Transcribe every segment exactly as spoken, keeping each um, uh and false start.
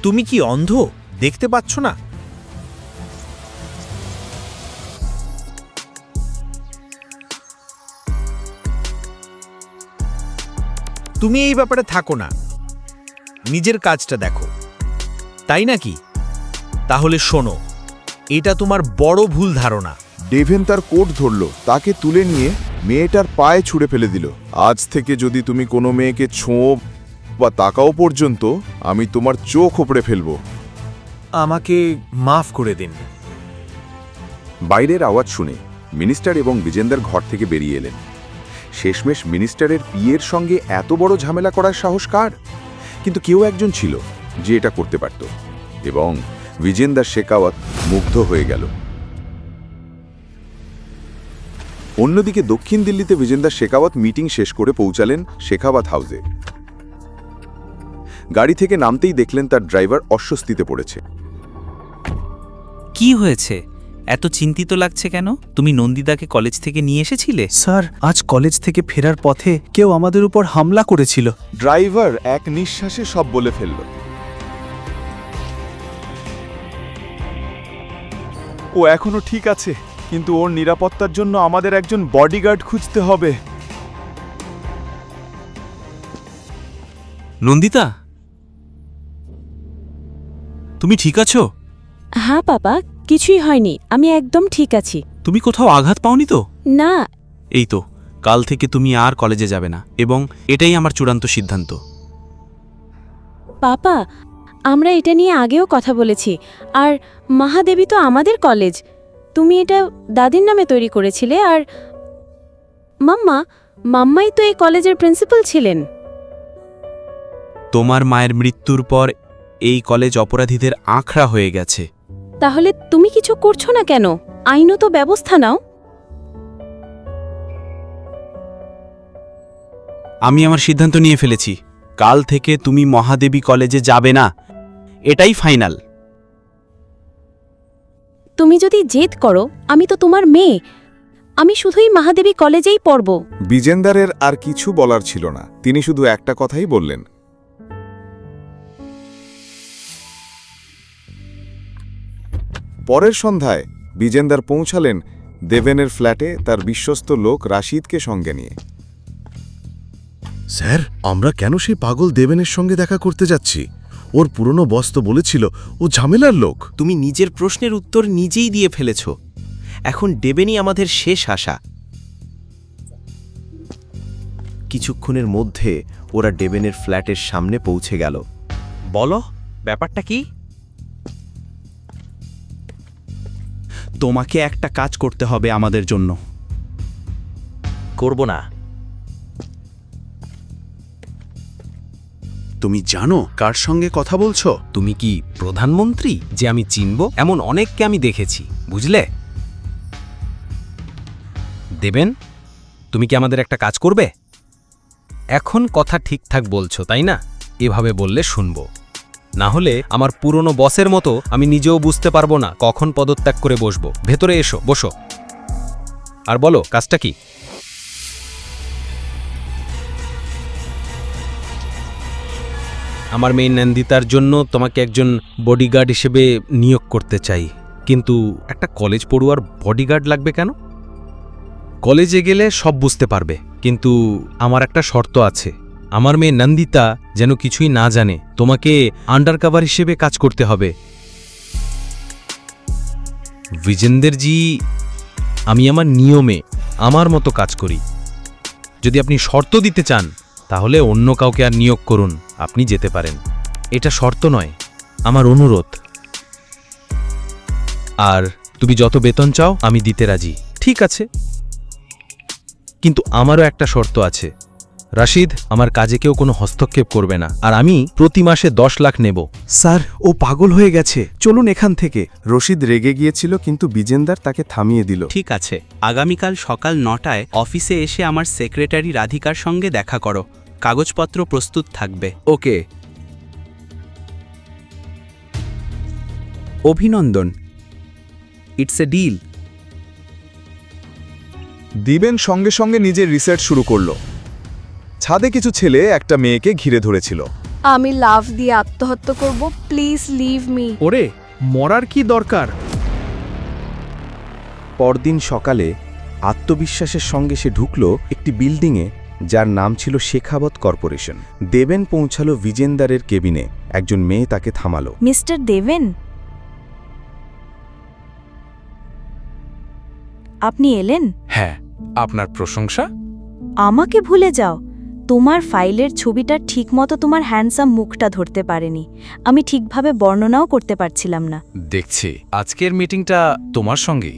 তুমি কি অন্ধ? দেখতে পাচ্ছ না? তুমি এই ব্যাপারে থাকো না, নিজের কাজটা দেখো, তাই নাকি? তাহলে শোনো, এটা তোমার বড় ভুল ধারণা। ডেভেন তার কোট ধরল, তাকে তুলে নিয়ে মেয়েটার পায়ে ছুঁড়ে ফেলে দিল। আজ থেকে যদি তুমি কোনো মেয়েকে ছোঁও বা তাকাও পর্যন্ত, আমি তোমার চোখ ওপড়ে ফেলব। আমাকে মাফ করে দিন। বাইরের আওয়াজ শুনে মিনিস্টার এবং বিজেন্দার ঘর থেকে বেরিয়ে এলেন। শেষমেশ মিনিস্টারের পিয়ের সঙ্গে এত বড় ঝামেলা করার সাহস কার? কিন্তু কেউ একজন ছিল যে এটা করতে পারত, এবং বিজেন্দার শেখাওয়াত মুগ্ধ হয়ে গেল। অন্যদিকে দক্ষিণ দিল্লিতে বিজেন্দার শেখাওয়াত মিটিং শেষ করে পৌঁছালেন শেখাওয়াত হাউসে। গাড়ি থেকে নামতেই দেখলেন তার ড্রাইভার অস্বস্তিতে পড়েছে। কি হয়েছে? এত চিন্তিত লাগছে কেন? তুমি নন্দিদাকে কলেজ থেকে নিয়ে এসেছিলে? স্যার, আজ কলেজ থেকে ফেরার পথে কেউ আমাদের উপর হামলা করেছিল। ড্রাইভার এক নিঃশ্বাসে সব বলে ফেলল। ও এখনো ঠিক আছে, কিন্তু ওর নিরাপত্তার জন্য আমাদের একজন বডিগার্ড খুঁজতে হবে। নন্দিতা, তুমি ঠিক আছো? হ্যাঁ বাবা, কিছুই হয়নি, আমি একদম ঠিক আছি। তুমি কোথাও আঘাত পাওনি তো? না। এই তো, কাল থেকে তুমি আর কলেজে যাবে না, এবং এটাই আমার চূড়ান্ত সিদ্ধান্ত। পাপা, আমরা এটা নিয়ে আগেও কথা বলেছি, আর মহাদেবী তো আমাদের কলেজ। তুমি এটা দাদির নামে তৈরি করেছিলে, আর মাম্মা মাম্মাই তো এই কলেজের প্রিন্সিপাল ছিলেন। তোমার মায়ের মৃত্যুর পর এই কলেজ অপরাধীদের আঁকড়া হয়ে গেছে। তাহলে তুমি কিছু করছো না কেন? আইনত ব্যবস্থা নাও। আমি আমার সিদ্ধান্ত নিয়ে ফেলেছি, কাল থেকে তুমি মহাদেবী কলেজে যাবে না, এটাই ফাইনাল। তুমি যদি জেদ করো, আমি তো তোমার মেয়ে, আমি শুধুই মহাদেবী কলেজেই পড়ব। বিজেন্দারের আর কিছু বলার ছিল না, তিনি শুধু একটা কথাই বললেন। পরের সন্ধ্যায় বিজেন্দার পৌঁছালেন দেবেনের ফ্ল্যাটে তার বিশ্বস্ত লোক রাশিদকে সঙ্গে নিয়ে। স্যার, আমরা কেন সেই পাগল দেবেনের সঙ্গে দেখা করতে যাচ্ছি? ওর পুরনো বস তো বলেছিল ও ঝামেলার লোক। তুমি নিজের প্রশ্নের উত্তর নিজেই দিয়ে ফেলেছ। এখন ডেবেনই আমাদের শেষ আশা। কিছুক্ষণের মধ্যে ওরা ডেবেনের ফ্ল্যাটের সামনে পৌঁছে গেল। বলো, ব্যাপারটা কি? তোমাকে একটা কাজ করতে হবে আমাদের জন্য। করব না। তুমি জানো কার সঙ্গে কথা বলছো? তুমি কি প্রধানমন্ত্রী যে আমি চিনব? এমন অনেককে আমি দেখেছি, বুঝলে? দেবেন, তুমি কি আমাদের একটা কাজ করবে? এখন কথা ঠিকঠাক বলছো, তাই না? এভাবে বললে শুনব, না হলে আমার পুরনো বসের মতো আমি নিজেও বুঝতে পারবো না কখন পদত্যাগ করে বসবো। ভেতরে এসো, বসো, আর বলো কাজটা কি। আমার মেয়ে নন্দিতার জন্য তোমাকে একজন বডিগার্ড হিসেবে নিয়োগ করতে চাই। কিন্তু একটা কলেজ পড়ুয়ার বডিগার্ড লাগবে কেন? কলেজে গেলে সব বুঝতে পারবে, কিন্তু আমার একটা শর্ত আছে। আমার মেয়ে নন্দিতা যেন কিছুই না জানে। তোমাকে আন্ডারকভার হিসেবে কাজ করতে হবে। বিজেন্দারজি, আমি আমার নিয়মে আমার মতো কাজ করি। যদি আপনি শর্ত দিতে চান তাহলে অন্য কাউকে আর নিয়োগ করুন, আপনি যেতে পারেন। এটা শর্ত নয়, আমার অনুরোধ। আর তুমি যত বেতন চাও আমি দিতে রাজি। ঠিক আছে, কিন্তু আমারও একটা শর্ত আছে। রাশিদ, আমার কাজে কেউ কোনো হস্তক্ষেপ করবে না, আর আমি প্রতি মাসে দশ লাখ নেব। স্যার, ও পাগল হয়ে গেছে, চলুন এখান থেকে। রশিদ রেগে গিয়েছিল, কিন্তু বিজেন্দার তাকে থামিয়ে দিল। ঠিক আছে, আগামীকাল সকাল নটায় অফিসে এসে আমার সেক্রেটারি রাধিকার সঙ্গে দেখা করো। কাগজপত্র প্রস্তুত থাকবে। ওকে। অভিনন্দন, ইটস এ ডিল। দিবেন সঙ্গে সঙ্গে নিজের রিসার্চ শুরু করল। ছাদে কিছু ছেলে একটা মেয়েকে ঘিরে ধরেছিল। আমি লাভ দিয়ে আত্মহত্যা করব, প্লিজ লিভ মি। ওরে, মরার কি দরকার? পরদিন সকালে আত্মবিশ্বাসের সঙ্গে সে ঢুকল একটি বিল্ডিংয়ে, যার নাম ছিল শেখাবত কর্পোরেশন। দেবেন পৌঁছালো বিজেন্দারের কেবিনে। একজন মেয়ে তাকে থামালো। মিস্টার দেবেন, আপনি এলেন? হ্যাঁ, আপনার প্রশংসা? আমাকে ভুলে যাও। তোমার ফাইলের ছবিটা ঠিকমতো তোমার হ্যান্ডসাম মুখটা ধরতে পারেনি। আমি ঠিকভাবে বর্ণনাও করতে পারছিলাম না। দেখছি আজকের মিটিংটা তোমার সঙ্গেই।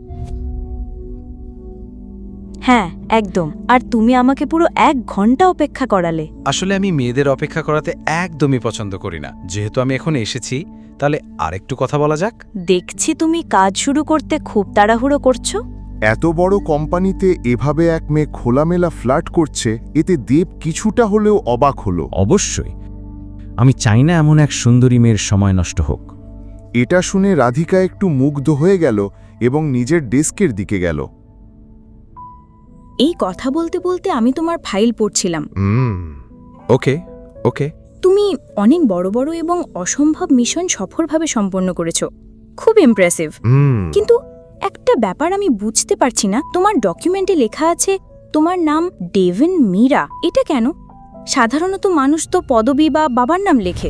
হ্যাঁ, একদম। আর তুমি আমাকে পুরো এক ঘন্টা অপেক্ষা করালে। আসলে আমি মেয়েদের অপেক্ষা করাতে একদমই পছন্দ করি না। যেহেতু আমি এখন এসেছি, তাহলে আরেকটু কথা বলা যাক। দেখছি তুমি কাজ শুরু করতে খুব তাড়াহুড়ো করছো। এত বড় কোম্পানিতে এভাবে এক মেয়ে খোলামেলা ফ্লার্ট করছে, এতে দেব কিছুটা হলেও অবাক হলো। অবশ্যই, আমি চাই না এমন এক সুন্দরী মেয়ের সময় নষ্ট হোক। এটা শুনে রাধিকা একটু মুগ্ধ হয়ে গেল এবং নিজের ডেস্কের দিকে গেল। এই কথা বলতে বলতে আমি তোমার ফাইল পড়ছিলাম। ওকে ওকে তুমি অনেক বড় বড় এবং অসম্ভব মিশন সফলভাবে সম্পন্ন করেছো। খুব ইমপ্রেসিভ। কিন্তু একটা ব্যাপার আমি বুঝতে পারছি না, তোমার ডকুমেন্টে লেখা আছে তোমার নাম ডেভেন মীরা। এটা কেন? সাধারণত মানুষ তো পদবি বা বাবার নাম লেখে।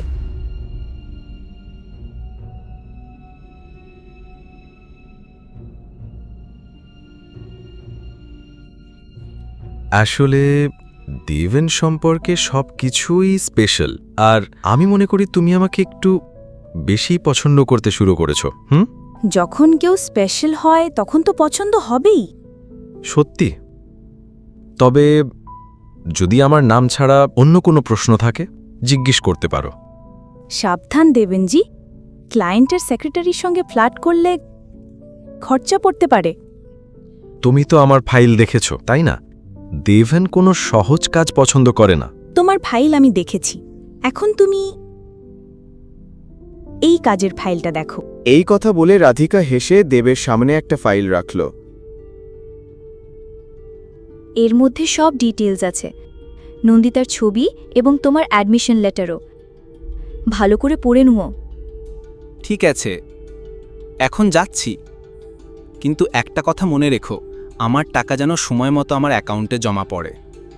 আসলে দেবেন সম্পর্কে সব কিছুই স্পেশাল, আর আমি মনে করি তুমি আমাকে একটু বেশি পছন্দ করতে শুরু করেছো। হুম, যখন কেউ স্পেশাল হয় তখন তো পছন্দ হবেই। সত্যি? তবে যদি আমার নাম ছাড়া অন্য কোনো প্রশ্ন থাকে, জিজ্ঞেস করতে পারো। সাবধান দেবেনজি, ক্লায়েন্টের সেক্রেটারির সঙ্গে ফ্ল্যাট করলে খরচা পড়তে পারে। তুমি তো আমার ফাইল দেখেছো, তাই না? দেবেন কোনো সহজ কাজ পছন্দ করে না। তোমার ফাইল আমি দেখেছি। এখন তুমি এই কাজের ফাইলটা দেখো। এই কথা বলে রাধিকা হেসে দেবের সামনে একটা ফাইল রাখল। এর মধ্যে সব ডিটেইলস আছে, নন্দিতার ছবি এবং তোমার অ্যাডমিশন লেটারও। ভালো করে পড়ে নুও। ঠিক আছে, এখন যাচ্ছি। কিন্তু একটা কথা মনে রেখো, আমার টাকা যেন সময় মতো আমার অ্যাকাউন্টে জমা পড়ে।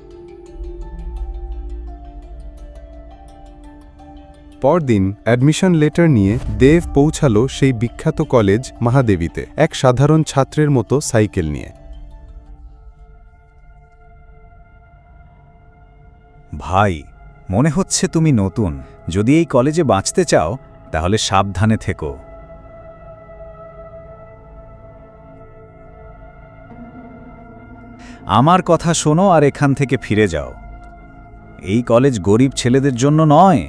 পরদিন অ্যাডমিশন লেটার নিয়ে দেব পৌঁছালো সেই বিখ্যাত কলেজ মহাদেবীতে, এক সাধারণ ছাত্রের মতো সাইকেল নিয়ে। ভাই, মনে হচ্ছে তুমি নতুন। যদি এই কলেজে বাঁচতে চাও তাহলে সাবধানে থেকো। আমার কথা শোনো আর এখান থেকে ফিরে যাও। এই কলেজ গরিব ছেলেদের জন্য নয়।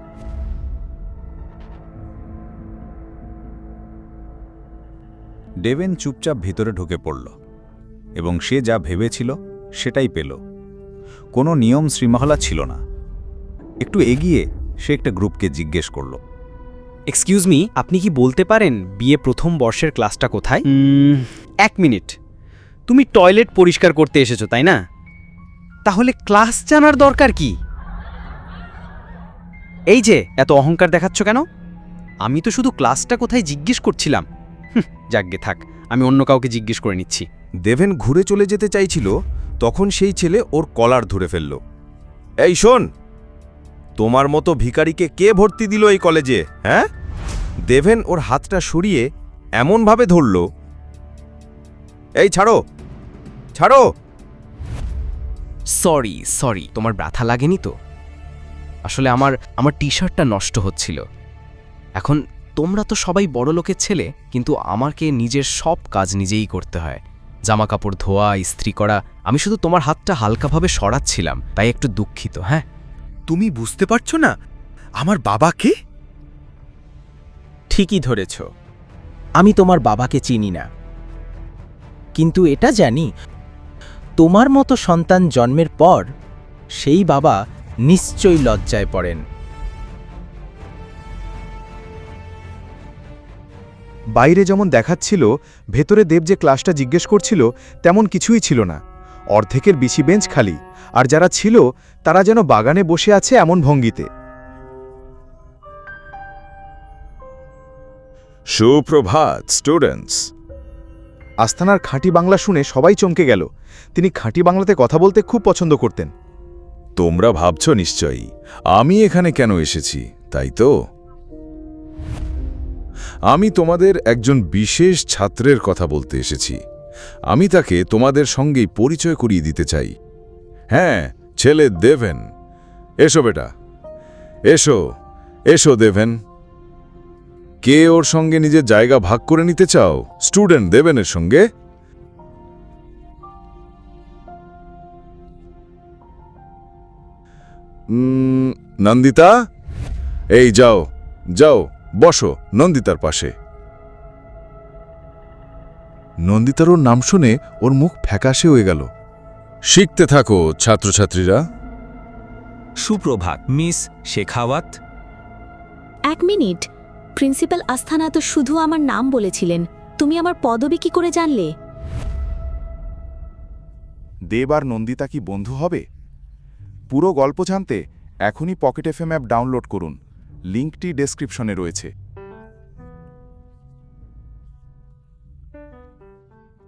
ডেভেন চুপচাপ ভিতরে ঢুকে পড়ল এবং সে যা ভেবেছিল সেটাই পেল। কোনো নিয়ম শৃঙ্খলা ছিল না। একটু এগিয়ে সে একটা গ্রুপকে জিজ্ঞেস করল, এক্সকিউজ মি, আপনি কি বলতে পারেন বিএ প্রথম বর্ষের ক্লাসটা কোথায়? এক মিনিট, তুমি টয়লেট পরিষ্কার করতে এসেছো তাই না? তাহলে ক্লাস জানার দরকার কি? এই যে এত অহংকার দেখাচ্ছ কেন? আমি তো শুধু ক্লাসটা কোথায় জিজ্ঞেস করছিলাম। যাকগে থাক, আমি অন্য কাউকে জিজ্ঞেস করে নিচ্ছি। দেবেন ঘুরে চলে যেতে চাইছিল, তখন সেই ছেলে ওর কলার ধরে ফেলল। এই শোন, তোমার মতো ভিখারিকে কে ভর্তি দিল এই কলেজে? হ্যাঁ? দেবেন ওর হাতটা সরিয়ে এমনভাবে ধরল, এই ছাড়ো ছাড়ো। সরি সরি, তোমার ব্যথা লাগেনি তো? আসলে আমার আমার টি শার্টটা নষ্ট হচ্ছিল। এখন তোমরা তো সবাই বড় লোকের ছেলে, কিন্তু আমাকে নিজের সব কাজ নিজেই করতে হয়। জামা কাপড় ধোয়া, ইস্ত্রি করা। আমি শুধু তোমার হাতটা হালকাভাবে সরাচ্ছিলাম, তাই একটু দুঃখিত। হ্যাঁ, তুমি বুঝতে পারছো না আমার বাবাকে? ঠিকই ধরেছ, আমি তোমার বাবাকে চিনি না, কিন্তু এটা জানি তোমার মতো সন্তান জন্মের পর সেই বাবা নিশ্চয়ই লজ্জায় পড়েন। বাইরে যেমন দেখাচ্ছিল, ভেতরে দেব যে ক্লাসটা জিজ্ঞেস করছিল তেমন কিছুই ছিল না। অর্ধেকের বেশি বেঞ্চ খালি, আর যারা ছিল তারা যেন বাগানে বসে আছে এমন ভঙ্গিতে। সুপ্রভাত স্টুডেন্টস। আস্থানার খাঁটি বাংলা শুনে সবাই চমকে গেল। তিনি খাঁটি বাংলাতে কথা বলতে খুব পছন্দ করতেন। তোমরা ভাবছ নিশ্চয়ই আমি এখানে কেন এসেছি, তাই তো? আমি তোমাদের একজন বিশেষ ছাত্রের কথা বলতে এসেছি। আমি তাকে তোমাদের সঙ্গেই পরিচয় করিয়ে দিতে চাই। হ্যাঁ, ছেলে দেভেন। এসো বেটা, এসো এসো দেভেন। কে ওর সঙ্গে নিজের জায়গা ভাগ করে নিতে চাও স্টুডেন্ট দেভেনের সঙ্গে? উম, নন্দিতা, এই যাও যাও বসো নন্দিতার পাশে। নন্দিতার ওর নাম শুনে ওর মুখ ফ্যাকাশে হয়ে গেল। শিখতে থাকো ছাত্রছাত্রীরা। সুপ্রভাত মিস শেখাওয়াত। এক মিনিট, প্রিন্সিপাল আস্থানা তো শুধু আমার নাম বলেছিলেন, তুমি আমার পদবি কি করে জানলে? দেব আর নন্দিতা কি বন্ধু হবে? পুরো গল্প জানতে এখনই পকেট এফএম অ্যাপ ডাউনলোড করুন। লিঙ্কটি ডেসক্রিপশনে রয়েছে।